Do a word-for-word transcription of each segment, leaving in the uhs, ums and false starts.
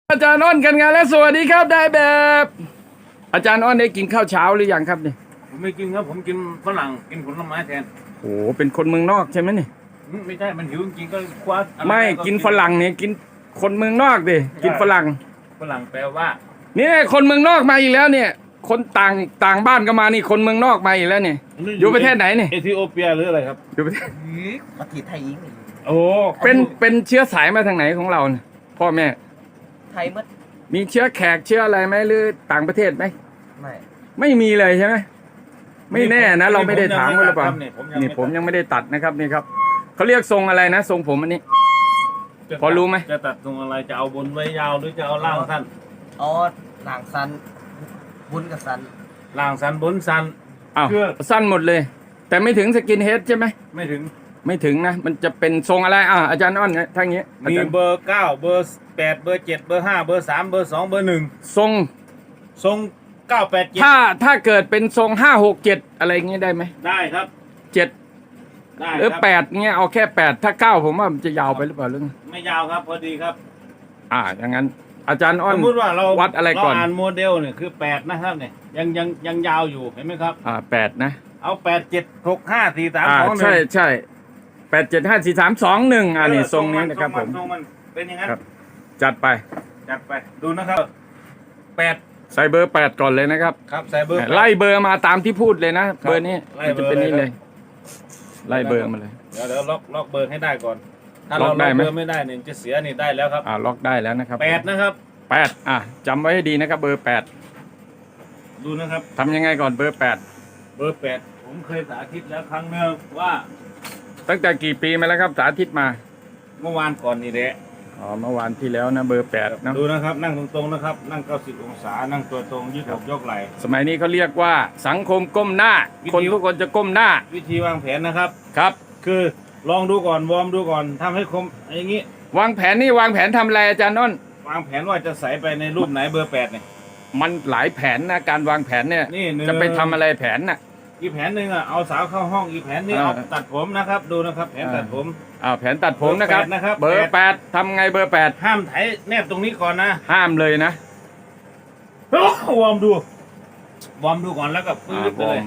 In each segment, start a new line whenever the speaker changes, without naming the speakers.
อาจารย์อ้นกันงานและสวัสดีครับได้แบบ อาจารย์อ้นได้กินข้าวเช้าหรือยังครับเนี่ย
ผมไม่กินครับผมกินฝรั่งกินผลไม้แทน
โอ้เป็นคนเมืองนอกใช่ไหมนี่
ไม่ใช่มันหิวจริงก็คว้า
ไม่กินฝรั่งเนี่ยกินคนเมืองนอกดิกินฝรั่ง
ฝรั่งแปลว่า
เนี่ยคนเมืองนอกมาอีกแล้วเนี่ย คนต่างต่างบ้านก็มานี่คนเมืองนอกมาอีกแล้วเนี่ยอยู่ประเทศไหนเนี่ย
เอธิโอเปียหรืออะไรครับ
อยู่ประเทศ
ประเทศไทยอีก
โอ้เป็นเป็นเชื้อสายมาทางไหนของเราเนี่ยพ่อแม่
ไทยมัด
มีเชื้อแขกเชื้ออะไรไหมหรือต่างประเทศไหม
ไม่
ไม่มีเลยใช่ไหมไม่แน่นะเราไม่ได้ถามหรือเปล่านี่ผมยังไม่ได้ตัดนะครับนี่ครับเขาเรียกทรงอะไรนะทรงผมอันนี้พอรู้ไหม
จะตัดทรงอะไรจะเอาบนไว้ยาวหรือจะเอาล่างสั้น
อ๋อล่างสั้นบนกับสั้น
ล่างสั้นบนสั้น
อ้าวสั้นหมดเลยแต่ไม่ถึงสกินเฮดใช่ไหม
ไม่ถึง
ไม่ถึงนะมันจะเป็นทรงอะไรอ่าอาจารย์อ้อนทั้งนี้
มีเบอร์เก้าเบอร์แปดเบอร์เจ็ดเบอร์ห้าเบอร์สามเบอร์สองเบอร์หนึ่ง
ทรง
ทรงเก้าแปดเจ็ด
ถ้าถ้าเกิดเป็นทรงห้าหกเจ็ดอะไรเงี้ยได้ไหม
ได้ครับ
เจ็ดหรือแปดเงี้ยเอาแค่แปดถ้าเก้าผมว่ามันจะยาวไปหรือเปล่าเรื่อง
ไม่ยาวครับพอดีครับ
อ่าอย่างนั้นอาจารย์อ้อน
สมมติว่าเรา
วัดอะไรก่อน
เราอ่านโมเดลเนี่ยคือแปดนะครับเนี่ยยังยังยังยาวอยู่เห็นไหมครับ
อ่าแปดนะ
เอาแปดเจ็ดหกห้าสี่สามสองหนึ่ง
ใช่ใช่แปดเจ็ดห้าสี่สามสองหนึ่งอันนี้ทรงนี้นะครับผม
ทรงมันเป็นอย่างนั้น
จัดไป
จัดไปดูนะครับแปด
ใส่เบอร์แปดก่อนเลยนะครับ
ครับใส่เบอร์
ไล่เบอร์มาตามที่พูดเลยนะเบอร์นี้มันจะเป็นนี่เลยไล่เบอร์มาเลย
เดี๋ยวเดี๋ยวล็อกล็อกเบอร์ให้ได้ก่อนถ้าเราล็อกเบอร์ไม่ได้เนี่ยจะเสียนี่ได้แล้วครับ
อ่าล็อกได้แล้วนะครับ
แปดนะครับ
แปดอ่ะจำไว้ให้ดีนะครับเบอร์แปด
ดูนะครับ
ทำยังไงก่อนเบอร์แปด
เบอร์แปดผมเคยสาธิตแล้วครั้งหนึ่งว่า
ตั้งแต่กี่ปีมาแล้วครับสาธิตมา
เมื่อวานก่อนนี่แหละ
อ๋อเมื่อวานที่แล้วนะเบอร์แปดนะ
ดูนะครับนั่งตรงๆนะครับนั่งเก้าสิบองศานั่งตัวตรงยืดอกยกไหล่
สมัยนี้เขาเรียกว่าสังคมก้มหน้าคนทุกคนจะก้มหน้า
วิธีวางแผนนะครับ
ครับ
คือลองดูก่อนวอร์มดูก่อนทำให้คมอย่างนี้
วางแผนนี่วางแผนทำอะไรอาจารย์น้น
วางแผนว่าจะใส่ไปในรูปไหนเบอร์แปดเนี่ย
มันหลายแผนนะการวางแผนเนี่ยจะไปทำอะไรแผนน่ะ
อีกแผนหนึ่งอ่ะเอาสาวเข้าห้องอีกแผนนึงเอาตัดผมนะครับดูนะครับแผนตัดผม
อ่าแผนตัดผมนะครับเบอร์แปดทำไงเบอร์แปด
ห้ามไถแนบตรงนี้ก่อนนะ
ห้ามเลยนะ
วอร์มดูวอร์มดูก่อนแล้วก็ปื๊ดเลย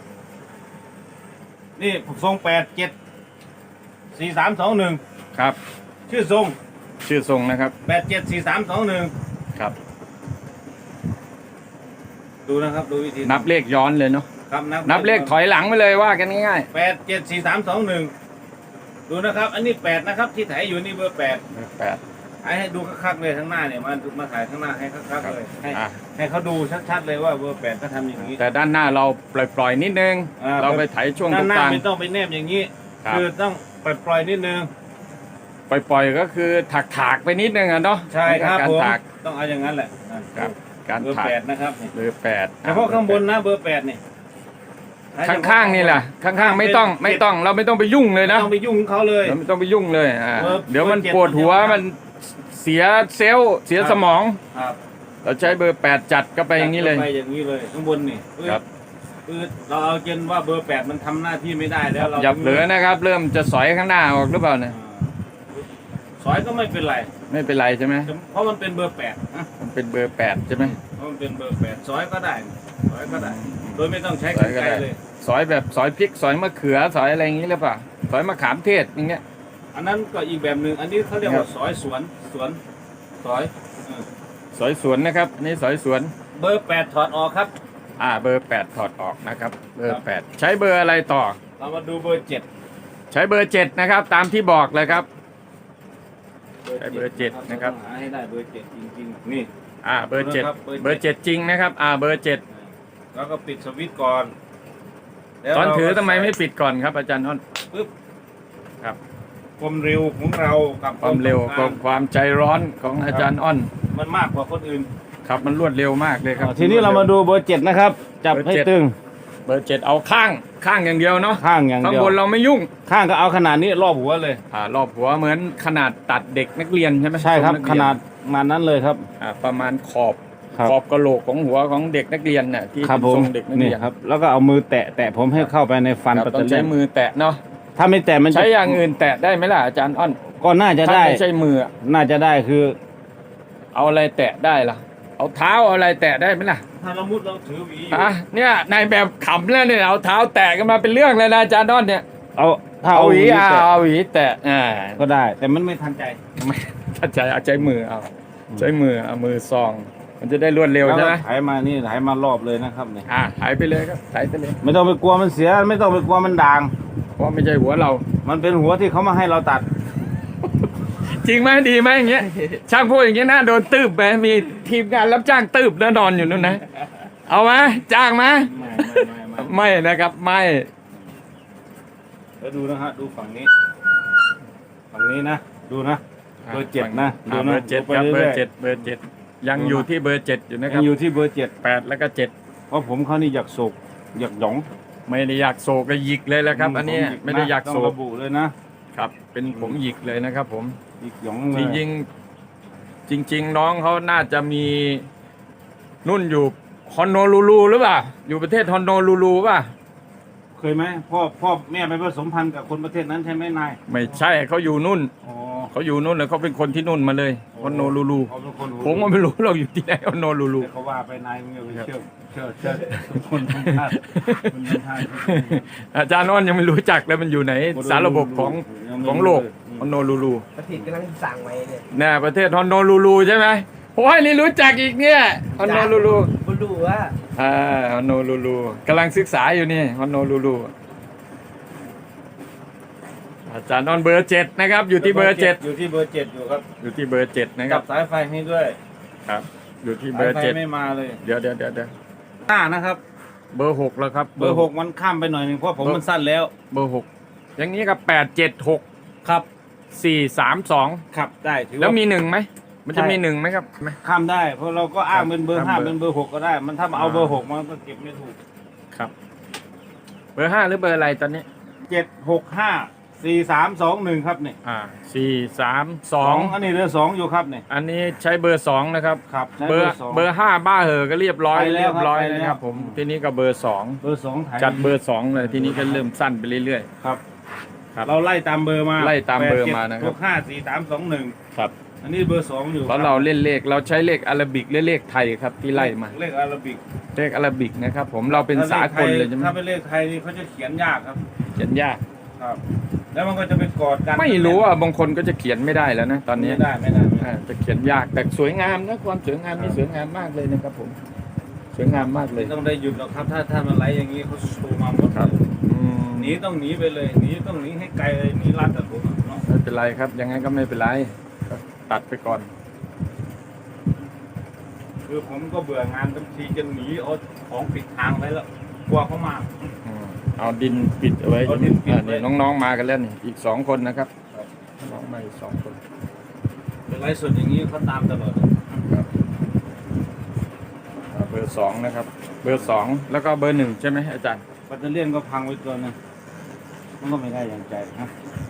นี่ทรงแปดเจ็ดสี่สามสองหนึ่ง
ครับ
ชื่อทรง
ชื่อทรงนะครับ
แปดเจ็ดสี่สามสองหนึ่ง
ครับ
ดูนะครับดูวิธี
นับเลขย้อนเลยเนาะ
ครับ
นับเลขถอยหลังไปเลยว่ากันง่าย
ๆแปดเจ็ดสี่สามสองหนึ่งดูนะครับอันนี้แปดนะครับที่ถ่ายอยู่นี่เบอร์แปด
แปด
ให้ให้ดูคักๆเลยข้างหน้าเนี่ยมามาถ่ายข้างหน้าให้คักๆเลยให้ให้เขาดูชัดๆเลยว่าเบอร์แปดเขาทำอย่างนี้
แต่ด้านหน้าเราปล่อยๆนิดนึงเราไปถ่ายช่วงตรงกลาง
ไม่ต้องไปแนบอย่างนี้คือต้องปล่อยๆนิดนึง
ปล่อยๆก็คือถักๆไปนิดนึงอ่ะเนาะ
ใช่ครับผมต้องเอาอย่างนั้นแหละ
ครับการ
เบอร์แปดนะครับ
เบอร์แปด
เฉพาะข้างบนนะเบอร์แปดนี่
ข้างๆนี่แหละข้างๆไม่ต้องไม่ต้องเราไม่ต้องไปยุ่งเลยนะ
ไม่ต้องไปยุ่งเขาเลย
เราไม่ต้องไปยุ่งเลยอ่าเดี๋ยวมันปวดหัวมันเสียเซลล์เสียสมองเราใช้เบอร์แปดจัดก็ไปอย่างนี้เลย
ไปอย่างนี้เลยข้างบนนี่ครับคือเราเอาเกณฑ์ว่าเบอร์แปดมันทำหน้าที่ไม่ได้แล้วเรา
หยับเหลือนะครับเริ่มจะสอยข้างหน้าออกหรือเปล่าเนี่ย
สอยก็ไม่เป็นไร
ไม่เป็นไรใช่ไหม
เพราะมันเป็นเบอร์แปด
มันเป็นเบอร์แปดใช่ไหม
เพราะมันเป็นเบอร์แปดสอยก็ได้สอยก็ได้โดยไม่ต้องใช้กรรไกรเลย
สอยแบบสอยพริกสอยมะเขือสอยอะไรอย่างนี้หรือเปล่าสอยมะขามเทศอย่างเงี้ย
อันนั้นก็อีกแบบหนึ่งอันนี้เขาเรียกว่าสอยสวนสวนสอย
สอยสวนนะครับนี่สอยสวน
เบอร์แปดถอดออกครับ
อ่าเบอร์แปดถอดออกนะครับเบอร์แปดใช้เบอร์อะไรต่อ
เรามาดูเบอร์เจ็ด
ใช้เบอร์เจ็ดนะครับตามที่บอกเลยครับใช้เบอร์เจ็ดนะครับ
หาให้ได้เบอร์เจ็ดจริงๆนี่
อ่าเบอร์เจ็ดเบอร์เจ็ดจริงนะครับอ่าเบอร์เจ็ด
แล้วก็ปิดสวิตช์ก่อน
ตอนถือทำไมไม่ปิดก่อนครับอาจารย์อ้น
ปึ๊บ
ครับ
ความเร็วของเรากับ
ความเร็วกับความใจร้อนของอาจารย์อ้น
มันมากกว่าคนอื่น
ครับมันรวดเร็วมากเลยครับ
ทีนี้เรามาดูเบอร์เจ็ดนะครับจับให้ตึง
เบอร์เจ็ดเอาข้างข้างอย่างเดียวเนาะ
ข้างอย่างเดียว
ข้างบนเราไม่ยุ่ง
ข้างก็เอาขนาดนี้รอบหัวเลย
อ่ารอบหัวเหมือนขนาดตัดเด็กนักเรียนใช่ไหม
ใช่ครับขนาดมานั้นเลยครับ
อ่าประมาณขอบขอบกระโหลกของหัวของเด็กนักเรียนน่ะที่ทรงเด็กนักเรียน
ครับแล้วก็เอามือแตะแตะผมให้เข้าไปในฟัน
ปัตเตอร์ต้องใช้มือแตะเนาะ
ถ้าไม่แตะมัน
ใช้อย่างอื่นแตะได้ไหมล่ะอาจารย์อ้น
ก็น่าจะได้
ไม่ใช่มือ
น่าจะได้คือ
เอาอะไรแตะได้ล่ะ เอาเท้าเอาอะไรแตะได้ไหมล่ะ
ถ้าเรามุดเราถือหวีอยู่
อ่ะเนี่ยนายแบบขำแล้วเนี่ยเอาเท้าแตะกันมาเป็นเรื่องเลยนะอาจารย์ดอนเนี่ย
เอาถ้า
เอา
เอา
ห
ห
วี
วี
อ่ะ
แตะ
เอาหวีแตะอ่า
ก็ได้ แต่มันไม่ทันใจ
ไม่ถ้าใจเอาใจมือเอาใช้มือเอามือซอง มันจะได้รวดเร็วใช่ไหม
แล้วก็ไถมานี่ไถมารอบเลยนะครับเนี่ย
อ่ะถ่ายไปเลยครับถ่ายไปเลย
ไม่ต้องไปกลัวมันเสีย ไม่ต้องไปกลัวมันด่าง
เพราะไม่ใช่หัวเรา
มันเป็นหัวที่เขามาให้เราตัด
จริงไหมดีไหมอย่างเงี้ย ช่างพูดอย่างเงี้ยน่าโดนตืบไปมีทีมงานรับจ้างตืบแล้วนอนอยู่นู่นนะ เอาไหมจ้างไหม
ไม่ไม่ไม่ไม่
ไม่นะครับไม่
แล้วดูนะฮะดูฝั่งนี้ ฝั่งนี้นะ ดูนะ เบอร์เจ็ดนะ
อ่า
ดู
เบ
นะ
อร์เจ็ด
ดูไป
ครับเบอ
รื่ย
ร์
ๆ
เจ็ดเบอร์เจ็ดยังอยู่ที่เบอร์เจ็ดอยู่นะค
ยั
รับ
งอยู่ที่เบอร์เจ็ด
แปดแล้วก็เจ็ด
เพราะผมเขานี่อยากโศกอยากหยอง
ไม่ได้อยากโศกก็หยิกเลยแล้วครับ อันเนี้ย
ผหยิ
ไม่ได้อยาก
ต้
โศ
อง
ก
ระบุเลยนะครับ
เป็นผมหยิกเลยนะครับ ผม
หยิกหยอง
จ
เลย
ริงๆจริง ๆ น้องเขาน่าจะมีนุ่นอยู่ฮอนโนลูลูหรือเปล่าอยู่ประเทศฮอนโนลูลูป่ะ
เคยไหมพ่อพ่อแม่ไปผสมพันธุ์กับคนประเทศนั้นใช่ไหมนาย
ไม่ใช่เขาอยู่นุ่น
อ๋อ
เขาอยู่นู่นเลยเขาเป็นคนที่นู่นมาเลยฮอนโนลูลู
เขาเป็นคนหู
ผมก็ไม่รู้เราอยู่ที่ไหนฮอนโนลูลู
แต่เขาว่าไปนายมึงอย่าไปเชื่อเชื่อเชื่อทุกคนทุกท่านคนทุกท่าน
อาจารย์อ้อนยังไม่รู้จักเลยมันอยู่ไหนสารระบบของของโลกฮอนโนลูลู
ประเทศกำลังสั่งไว้เนี่ย
น่ประเทศฮอนโนลูลูใช่ไหมโอ้ยนี่รู้จักอีกเนี่ยฮอนโนลูลู
บ่รู้ว่า
อ่าฮอนโนลูลูกำลังศึกษาอยู่นี่ฮอนโนลูลูอาจารย์อ้อนเบอร์เจ็ดนะครับ อยู่ที่เบอร์เจ็ด
อยู่ที่เบอร์เจ็ดอยู่ครับ
อยู่ที่เบอร์เจ็ดนะค
กั
รั
บบ สายไฟให้ด้วย
ครับ อยู่ที่เบ
สา
อย ร์
ไฟ
เจ็ด
ไม่มาเลย
เดี๋ยวเดี๋ยวเดี๋ยวเดี๋ยว
หน้านะครับ
เบอร์หกแล้วครับ
เบอร์หกมันข้ามไปหน่อยหนึ่งเพราะผมมันสั้นแล้ว
เบอร์หกอย่างนี้กับแปดเจ็ดหก
ครับ
สี่สามสอง
ขับได้ถือ
แล้ว
ว่า
มีหนึ่งไหมมันจะ
ใช่
มีหนึ่งไหมครับไหม
ข้ามได้ เพราะเราก็อ้างเป็นเบอร์
ครับ
ห้า
เบอร์
เป็นเบอร์หกก็ได้ มันถ้ามาเอา
อ่า
เบอร์หกมันก็เก็บไม่ถูก
ครับ เบอร์ห้าหรือเบอร์อะไรตอนนี้
เจ็ดหกห้าสี่สามสองหนึ่งครับเนี่ย
อ่าสี่สามสอง
อันนี้เรือสองอยู่ครับเนี่ย
อันนี้ใช้เบอร์สองนะครับ
ครับใช้
เบอร์
สอง
เบอร์ห้าบ้าเหอะก็เรียบร้อย
ไปแล้ว
เรียบร้อย
ครับไปแล้ว
นะครับ ผม
อืม
ทีนี้ก็เบอร์สอง
เบอร์สองไทย
จัดเบอร์สองเลยทีนี้ก็เริ่มสั้นไปเรื่อย
ครับ
ๆครับ
เราไล่ตามเบอร์มา
ไล่ตามเบอร์มานะครับ
หกห้าสี่สามสองหนึ่ง
ครับ
อันนี้เบอร์สองอยู่
เพราะเราเล่นเลขเราใช้เลขอาราบิกและเลขไทยครับที่ไล่มา
เลขอาราบิก
เลขอาราบิกนะครับ ผมเราเป็นสากลเลยใช่ไหม
ถ้าเป็นเลขไทยนี่เขาจะเขียนยากครับ
เขียนยาก
ครับ แล้วมันก็จะไปกอดกัน
ไม่รู้อ่ะบางคนก็จะเขียนไม่ได้แล้วนะตอนนี้
ไม่ได้ไม่ได้ไม่ได้
อ่าจะเขียนยากแต่สวยงามนะความสวยงามนี่สวยงามมากเลยนะครับ ผมสวยงามมากเลย
ไม่ต้องได้หยุดหรอกครับ ถ้าถ้ามันไหลอย่างนี้เขาโชว์มาหมด
ครับอืม
หนีต้องหนีไปเลยหนีต้องหนีให้ไกลเลยหนีรัดแต่ผมอะเนาะ
ไม่เป็นไรครับยังไงก็ไม่เป็นไรก็ตัดไปก่อน
คือผมก็เบื่องานบางทีจะหนีเอาของปิดทางไปแล้วกลัวเขามา
อืมเอาดินปิดเอาไว้
เอาดินปิด
อ่า
ไว้
นี่น้องๆมากันแล้วนี่อีกสองคนนะครับ
ครับ
น้องมาอีกสองคน
เป็นไรส่วนอย่างนี้เขาตามตลอด
ครับอ่าเบอร์สองนะครับ เบอร์สองแล้วก็เบอร์หนึ่งใช่ไหมอาจารย์
แบตเตอรี่ยนก็พังไว้ตัวหนึงมันก็ไม่ได้อย่างใจนะ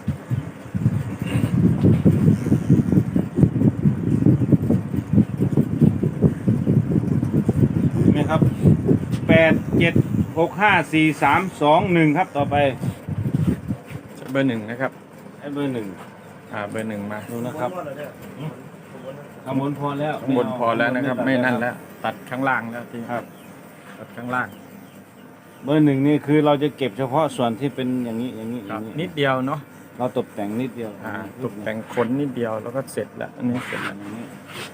เห็นไหมครับแปดเจ็ดหกห้าสี่สามสองหนึ่งครับต่อไป
เบอร์หนึ่งนะครับ
ไอ้เบอร์หนึ่ง
อ่าเบอร์หนึ่งมา
ดูนะครับข้างบนพอแล้ว
ข้างบนพอแล้วนะครับ ไม่นั่นแล้ว ตัดข้างล่างแล้วที่
ครับ
ตัดข้างล่าง
เบอร์หนึ่งนี่คือเราจะเก็บเฉพาะส่วนที่เป็นอย่างนี้อย่างนี้อ
ครั
ย่า
บ
งนี้
นิดเดียวเนาะ
เราตกแต่งนิดเดียว
อ่าตกแต่งขนนิดเดียวแล้วก็เสร็จแล้วอันนี้เสร็จแล้ว
อย่างนี้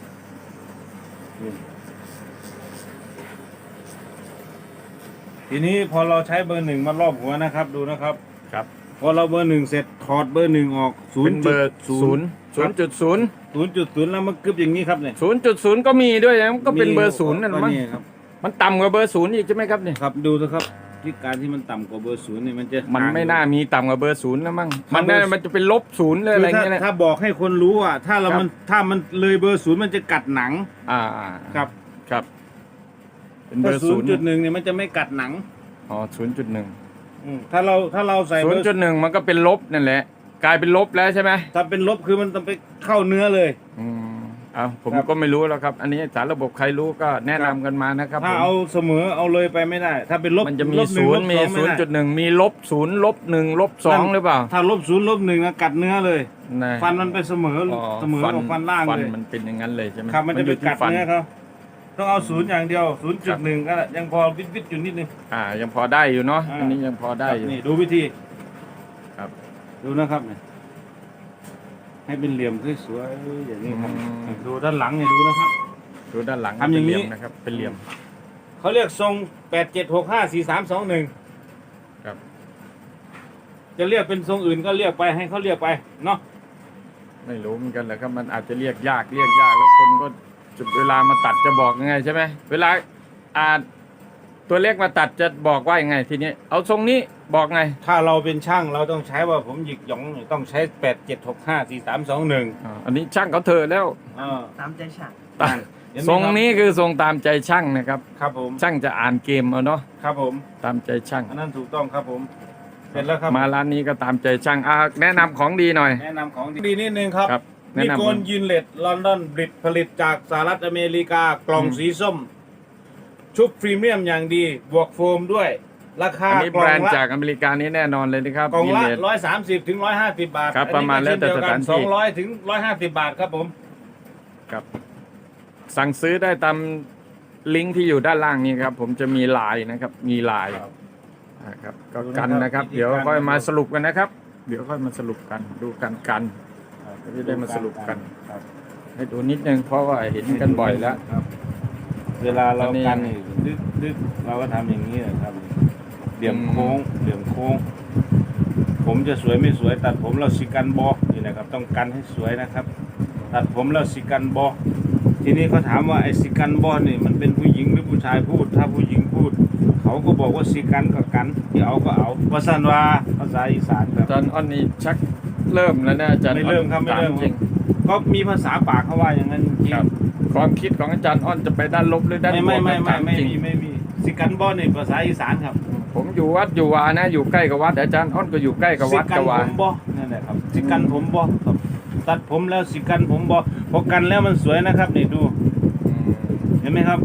ทีนี้พอเราใช้เบอร์หนึ่งมารอบหัวนะครับ ดูนะครับ
ครับ
พอเราเบอร์หนึ่งเสร็จถอดเบอร์หนึ่งออกศู
เป็น น
ย์
เบอร์ศูนย์ศูนย์จุดศูนย์
ศูนย์จุดศูนย์แล้วมันกึบอย่างนี้ครับเนี่ย
ศูนย์จุดศูนย์ก็มีด้วยนะมันก็เป็นเบอร์ศูนย์นั่นมั้ง
ครับ
มันต่ำกว่าเบอร์ศูนย์อีกใช่ไหมครับเนี่ย
ครับดูนะครับที่การที่มันต่ำกว่าเบอร์ศูนย์เนี่ยมันจะ
มันไม่น่ามีต่ำกว่าเบอร์ศูนย์แล้วมั้ง
ครั
มั
บ
นน่ามันจะเป็นลบศูนย์เลย
คื
อะไร
อถ้า
เงี้ยแหละ
ถ้าบอกให้คนรู้อ่ะถ้าเรา
ครับ
มันถ้ามันเลยเบอร์ศูนย์มันจะกัดหนัง
อ่า
ครับ
ครับ เป็นเบอ
ถ้า
ร์
ศู
ศู
น
น
ย์
ย์
จุดหนึ่งเนี่ยมันจะไม่กัดหนัง
อ๋อศูนย์จุดหนึ่ง
อืมถ้าเราถ้าเราใส่
ศู
เบ
น
อ
ย์
ร์
จุดหนึ่งมันก็เป็นลบนั่นแหละ กลายเป็นลบแล้วใช่ไหม
ถ้าเป็นลบคือมันต้องไปเข้าเนื้อเลย
อืมเอาผม
ครับ
ก็ไม่รู้แล้วครับ อันนี้สารระบบใครรู้ก็แนะนำกันมานะครับ
ถ้า
ผม
เอาเสมอเอาเลยไปไม่ได้ ถ้าเป็นลบ
มันจะมี
ลบหง
ศูนย์
ลบ
มี
สองไ
ศูนย์จุดหนึ่งมีลบศูนย์ลบหนึ่งลบสอง
นั่น
หรือเปล่า
ถ้าลบศูนย์ลบหนึ่งนะกัดเนื้อเลย
นะ
ฟันมันเป็นเสมอ
อ๋อ
เสมอกับฟันล่าง
ฟัน
เลย
มันเป็นอย่างนั้นเลยใช่ไหม
ครับมันจะไป
อยู่ที่
กัด
ฟัน
เนื้อเขาต้องเอาศูนย์อย่างเดียวศูนย์จุดหนึ่งก็ยังพอวิดวิดอยู่นิดนึง
อ่ายังพอได้อยู่เนาะ
อ่า
อันนี้ยังพอได้อยู่
นี่ดูวิธี
ครับ
ดูนะครับเนี่ยให้เป็นเหลี่ยมสวยๆอย่างนี้ครับ
อืม
ดูด้านหลังเนี่ยดูนะครับ
ดูด้านหลัง
ทำอย่างนี้
เป็นเหลี่ยมนะครับเป็นเหลี่ยม
เขาเรียกทรงแปดเจ็ดหกห้าสี่สามสองหนึ่ง
ครับ
จะเรียกเป็นทรงอื่นก็เรียกไปให้เขาเรียกไปเนาะ
ไม่รู้เหมือนกันแหละครับมันอาจจะเรียกยากเรียกยากแล้วคนก็จุดเวลามาตัดจะบอกยังไงใช่ไหมเวลาอ่าตัวเลขมาตัดจะบอกว่ายังไงทีนี้ เอาทรงนี้บอกไง
ถ้าเราเป็นช่างเราต้องใช้ว่าผมหยิกหยองเนี่ยต้องใช้แปดเจ็ดหกห้าสี่สามสองหนึ่ง
อ่าอันนี้ช่างเขาเถอะแล้ว
อ่า
ตามใจฉัน
ตามทรงนี้คือทรงตามใจช่างนะครับ
ครับผม
ช่างจะอ่านเกมเอาเนาะ
ครับผม
ตามใจช่าง
อันนั้นถูกต้องครับผมเสร็จแล้วครับ
มาร้านนี้ก็ตามใจช่างอ่าแนะนำของดีหน่อย
แนะนำของดีนิดนึงครับ
ครับแนะ
นิ
นำ
โกนยินเลตลอนดอนบริตผลิตจากสหรัฐอเมริกากล่อง
อืม
สีส้ม ชุบพรีเมียมอย่างดี บวกโฟมด้วย ราคา
อันนี้
กล่
แบร
อง
นด์
ละ
จากอเมริกานี้แน่นอนเลยนะครับ
กล่องละ
ยินเลส
ร้อยสามสิบถึงร้อยห้าสิบบาท
ครับประมาณแล้วแต่สถานที่
สองร้อยถึงร้อยห้าสิบบาทครับผม
ครับสั่งซื้อได้ตามลิงก์ที่อยู่ด้านล่างนี้ครับ ผมจะมีไลน์นะครับ มีไลน์นะครับก็กันนะครับ เดี๋ยวค่อยมาสรุปกันนะครับ เดี๋ยวค่อยมาสรุปกันดูกันกันก็จะได้มาสรุปกัน
ครับ
ให้ดูนิดนึงเพราะว่าเห็นกันบ่อยแล้ว
ครับ เวลาเรา
อันนี้
กันนี่ดึกดึกเราก็ทำอย่างนี้แหละครับเหลี่ยมโค้งเหลี่ยมโค้ง ผมจะสวยไม่สวย ตัดผมเราสิกันบอนี่นะครับ ต้องกันให้สวยนะครับ ตัดผมเราสิกันบอทีนี้เขาถามว่าไอ้สิกันบอนี่มันเป็นผู้หญิงหรือผู้ชายพูด ถ้าผู้หญิงพูด เขาก็บอกว่าสิกันก็กันที่เอาก็เอาภาษาว่าภาษาอีสานครับ
อาจารย์อ้อนนี่ชักเริ่มแล้วนะอาจารย์
ไม่เริ่มครับไม่เริ่ม
ถาจริง
ก็มีภาษาปากเขาว่าอย่างนั้นจริง
ครับความคิดของอาจารย์อ้อนจะไปด้านลบหรือด้าน
ไม่
บว
ไม่
ก
ไม่
ครับ
ไม่
ถาม
ไม่
จริง
มีไม่มีสิกันบอนี่ภาษาอีสานครับ
ผมอยู่วัดอยู่วานะอยู่ใกล้กับวัดอาจารย์อ้อนก็อยู่ใกล้กับวัด
สิกั
กับ
ผ
วา
มบอนั่นแหละครับสิกันผมบอครับตัดผมแล้วสิกันผมบอพอกันแล้วมันสวยนะครับนี่ดู
อืม
เห็นไหมครับ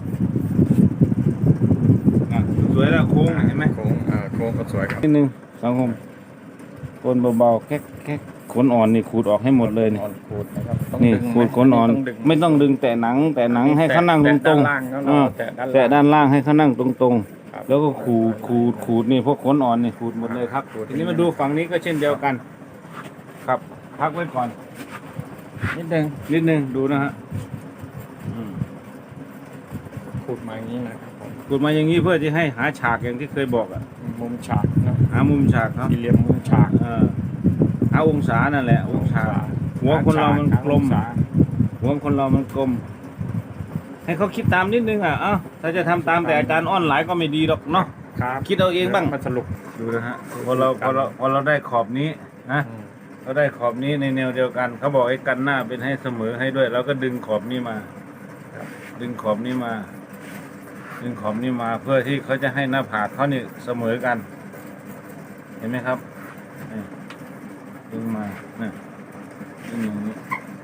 อ่ะสวยแล้วโค้งเห็นไหม
โค้งอ่าโค้งก็สวยครับ
นิดนึงสังคมโกนเบาๆแค่แค่ขนอ่อนนี่ขูดออกให้หมดเลยนี่
อ่อนขูดนะครับต้อง
นี่
ดึง
ขูดขนอ่อน
ต้องดึง
ไม่ต้องดึงแต่หนัง แต่หนังให้เขานั่งต
แตะ
รง
ด้านล่างแล้ว
ๆ
เรา
อ่า
แตะด้าน
แต่
ล่าง
ด้านล่างให้เขานั่งตรง
ครับ
ๆ แล้วก็ขูดขูดขูดนี่พวกขนอ่อนนี่ขูดหมดเลยครับ
ขูด
ทีนี้มาดูฝั่งนี้ก็เช่นเดียวกัน ครับ พักไว้ก่อน
นิดนึง
นิดนึงดูนะฮะอืม
ขูดมาอย่างนี้นะครับผม
ขูดมาอย่างนี้เพื่อจะให้หาฉากอย่างที่เคยบอกอะ
มุมฉากเนอะ
หามุมฉากครับ
สี่เหลี่ยมมุมฉาก
เออหาองศานั่นแหละ องศา หัวคนเรามันกลม
องศา
หัวคนเรามันกลม ให้เขาคิดตามนิดนึงอ่ะเอ้าถ้าจะทำตามแต่อาจารย์อ้อนหลายก็ไม่ดีหรอกเนาะ
ครับ
คิดเอาเองบ้าง
มาสรุป
ดูนะฮะพอเราพอเราพอเราได้ขอบนี้นะ
อืม
เราได้ขอบนี้ในแนวเดียวกัน เขาบอกไอ้กันหน้าเป็นให้เสมอให้ด้วย เราก็ดึงขอบนี้มา ดึงขอบนี้มา ดึงขอบนี้มา เพื่อที่เขาจะให้หน้าผากเขานี่เสมอกัน เห็นไหมครับนี่ดึงมาเนี่ยดึงอย่างนี้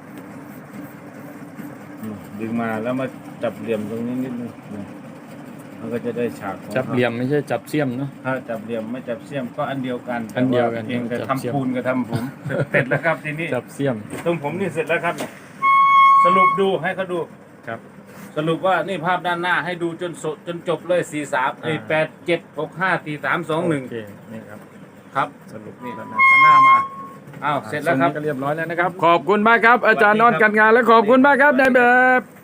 อืมดึงมาแล้วมาจับเหลี่ยมตรงนี้นิดนึงนี่มันก็จะได้ฉากของ
จับ
ขา
เหลี่ยมไม่ใช่จับเสี้ยมเนาะ
ถ้าจับเหลี่ยมไม่จับเสี้ยมก็อันเดียวกัน
อันเดียวกัน
แต่าเองแต่
จับเสี้ยม
ทำปูนกับทำผมเสร็จแล้วครับทีนี้
จับเสี้ยม
ตรงผมนี่เสร็จแล้วครับเนี่ยสรุปดูให้เขาดู
ครับ
สรุปว่านี่ภาพด้านหน้าให้ดูจนสดจนจบเลยสี่สามไอ้
อ่า
แปดเจ็ดหกห้าสี่สามสองหนึ่ง
โอเคนี่ครับ
ครับ
สรุป
นี่
แล้วนะ
ข้างหน้ามาอ้าวเสร็จแล้วครับ
ก็เรียบร้อยแล้วนะครับ ขอบคุณมากครับ อาจารย์นอนกันงานและขอบคุณมากครับนายแบบ